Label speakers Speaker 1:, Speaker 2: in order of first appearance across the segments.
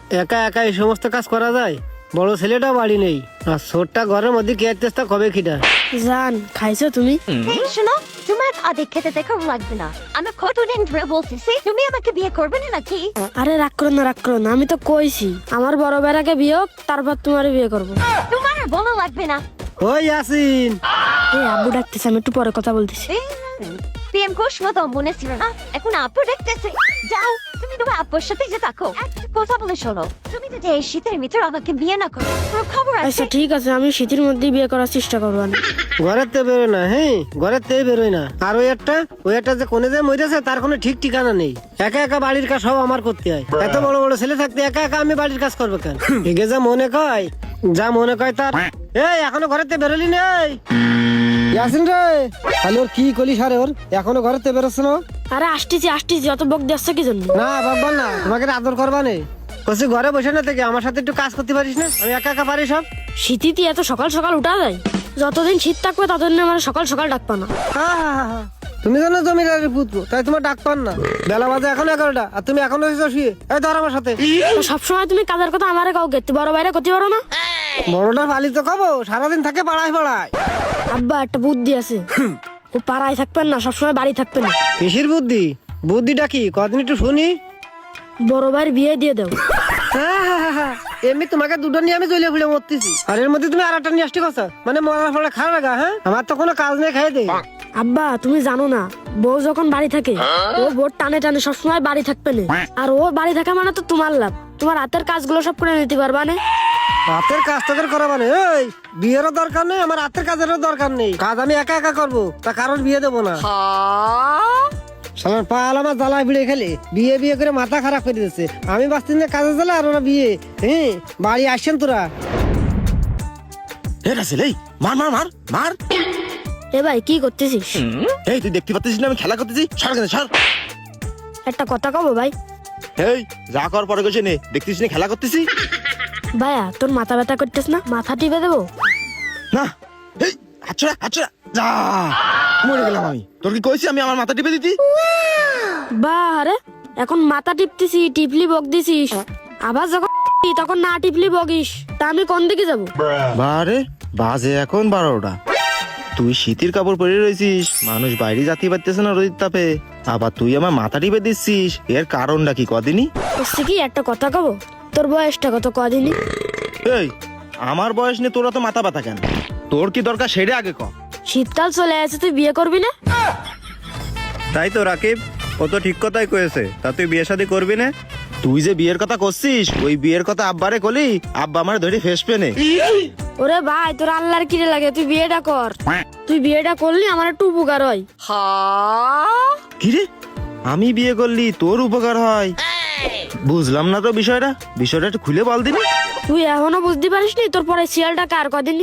Speaker 1: একা একা এই সমস্ত কাজ করা যায়? বড় ছেলেটাও বাড়ি নেই, আর ছোটটা ঘরের মধ্যে কে চেষ্টা কবে খিটা।
Speaker 2: জান খাইছো তুমি?
Speaker 3: শোনো, তোমার আদেক খেতে দেখাও লাগবে না। আমি কতদিন ধরে বলতেছি তুমি আমাকে বিয়ে করবে না নাকি?
Speaker 2: আরে রাগ করো না, রাগ করো না, আমি তো কইছি আমার বড় বেড়াকে বিয়ে হোক, তারপর তোমার বিয়ে করবো।
Speaker 3: তোমার আর বলা লাগবে না।
Speaker 1: ওই ইয়াসিন,
Speaker 2: এই আব্বু ডাকতেছে, আমি একটু পরে কথা বলতেছি।
Speaker 3: প্রেম করছো তো মনে ছিল না, এখন আপু দেখতেছে। যাও, তুমি তোমার আপুর সাথে যে থাকো। একটা কথা বলে শোনো, তুমি যদি এই শীতের ভিতর আমাকে বিয়ে না করো, তোর খবর আছে।
Speaker 2: আচ্ছা ঠিক আছে, আমি শীতের মধ্যেই বিয়ে করার চেষ্টা করবো।
Speaker 1: ঘরের তে বেরোয় না, হ্যাঁ ঘরের তেই বেরোয় না। আর ওই একটা যে কোনে যে মরেছে তার কোনো ঠিক ঠিকানা নেই। একা একা বাড়ির কাজ সব আমার করতে হয়। এত বড় বড় ছেলে থাকতে একা একা আমি বাড়ির কাজ করবো কেন? এগে যা মনে কয় তার। এই এখনো ঘরের তে বেরোলি নেই ইয়াসিন রে? তাহলে ওর কি কলি সারে, ওর এখনো ঘরের তে বেরোচ্ছে না?
Speaker 2: আরে আসতেছি আসতেছি, অত বক দিচ্ছ কি জন্য?
Speaker 1: না বাবা না, তোমাকে আদর করবা নেই। বলছি ঘরে বসে না থেকে আমার সাথে একটু কাজ করতে পারিস না? আমি একা একা পারি সব।
Speaker 2: শীতিতে এত সকাল সকাল উঠা যায়? যতদিন শীত থাকবে ততদিন আমার সকাল সকাল ডাকবা না।
Speaker 1: তুমি জানো জমিদারের পুত্র, তাই তোমার ডাক পান না। বেলা বাজে এখন 11টা, আর তুমি এখনো শুয়ে। এই ধর আমার সাথে।
Speaker 2: তো সবসময় তুমি কাজের কথা আমারে কাউ গেতে বড় বাইরে করতে পারো না?
Speaker 1: বড়টা পালি তো খাবো, সারাদিন থাকে পাড়ায়।
Speaker 2: আব্বা একটা বুদ্ধি আছে, ও পাড়ায় থাকবেন না, সবসময় বাড়ি থাকবেন না।
Speaker 1: কিসের বুদ্ধি? বুদ্ধিটা কি কদিন একটু শুনি।
Speaker 2: বড় ভাইয়ের বিয়ে দিয়ে দাও।
Speaker 1: এমনি তোমাকে দুটো নিয়ে আমি জ্বলে ফুলে মরতেছি, আর এর মধ্যে তুমি আর একটা নিয়ে আসতে কথা, মানে মরার ফলে খারাপ লাগা। হ্যাঁ, আমার তো কোনো কাজ নেই, খাই দে।
Speaker 2: আব্বা তুমি জানো না, বউ যখন বাড়ি থাকে ও বোর টানে টানে সবসময় বাড়ি থাকবে না। আর ও বাড়ি থাকা মানে তো তোমার লাভ, তোমার হাতের কাজগুলো সব করে নিতে পারবা না।
Speaker 1: হাতের কাজ তোদের করা মানে? এই বিয়েরও দরকার নেই, আমার হাতের কাজেরও দরকার নেই। কাজ আমি একা একা করবো, তা কারোর বিয়ে দেবো না। সালার পাল আমার জ্বালায় ভিড়ে খেলে বিয়ে বিয়ে করে মাথা খারাপ করে দিচ্ছে। আমি বাঁচতে না কাজে জ্বালা, আর ওরা বিয়ে। হ্যাঁ, বাড়ি আসছেন তোরা?
Speaker 4: মার মার মার মার।
Speaker 2: এ ভাই কি করতেছিস?
Speaker 4: এই তুই দেখতে পাচ্ছিস না আমি খেলা করতেছি? সর কেন সর।
Speaker 2: একটা কথা কব ভাই?
Speaker 4: এই যা কর পরে গেছে নে, দেখতিস না খেলা করতেছি?
Speaker 2: ভাইয়া তোর মাথা ব্যথা করতেছ না? মাথা টিপে দেবো?
Speaker 4: না, এই আচ্ছা আচ্ছা যা, মরে গেলাম আমি। তোর কি কইছি আমি আমার মাথা টিপে দিতি?
Speaker 2: বাহ রে, এখন মাথা টিপতেছি, টিপলি বক দিছিস, আবার যখন তখন না টিপলি বকিস, তা আমি কোন দিকে যাবো?
Speaker 4: বারে বাজে এখন 12টা, তুই শীতের কাপড় পরে রয়েছিস, মানুষ বাইরে যাতে পারতেছে না রোদের তাপে, আবার তুই আমার মাথা টিপে দিচ্ছিস। এর কারণটা কি কদিনই?
Speaker 2: বুঝছি কি, একটা কথা কব? তোর বয়সটা কত কদিনই?
Speaker 4: এই আমার বয়স নিয়ে তোরা তো মাথা ব্যথা কেন? তোর কি দরকার সেটা আগে ক।
Speaker 2: শীতকাল চলে আসে, তুই বিয়ে করবি না?
Speaker 5: তাই তো রাকিব, ও তো ঠিক কথাই কয়েছে। তা তুই বিয়ে শাদী করবি না?
Speaker 4: তুই যে বিয়ের কথা করছিস, ওই বিয়ের কথা আব্বারে কলি, আব্বা আমার ধরে ফেস পেনে।
Speaker 2: ওরে ভাই তোর আল্লাহর কিরে লাগে, তুই বিয়েটা কর। তুই বিয়েটা করলি আমার একটু উপকার হয়।
Speaker 4: কিরে আমি বিয়ে করলি তোর উপকার হয়? বুঝলাম না তো বিষয়টা একটু খুলে বল দিনি।
Speaker 2: তুই এখনো বুঝতে পারিস নি তোর পরে শিয়ালটা কার কদিনই?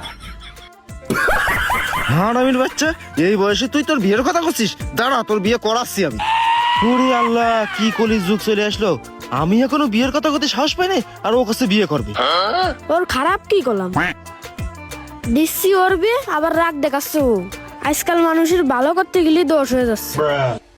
Speaker 4: হ্যাঁ আমির বাচ্চা, এই বয়সে তুই তোর বিয়ের কথা করছিস? দাঁড়া তোর বিয়ে করাচ্ছি আমি। ওরে আল্লাহ, কি কলির যুগ চলে আসলো, আমি এখনো বিয়ের কথা করতে সাহস পাই না, আর ও কাছে বিয়ে করবে।
Speaker 2: ওর খারাপ কি করলাম? দিচ্ছি ওর বিয়ে, আবার রাগ দেখাচ্ছ। আজকাল মানুষের ভালো করতে গেলে দোষ হয়ে যাচ্ছে।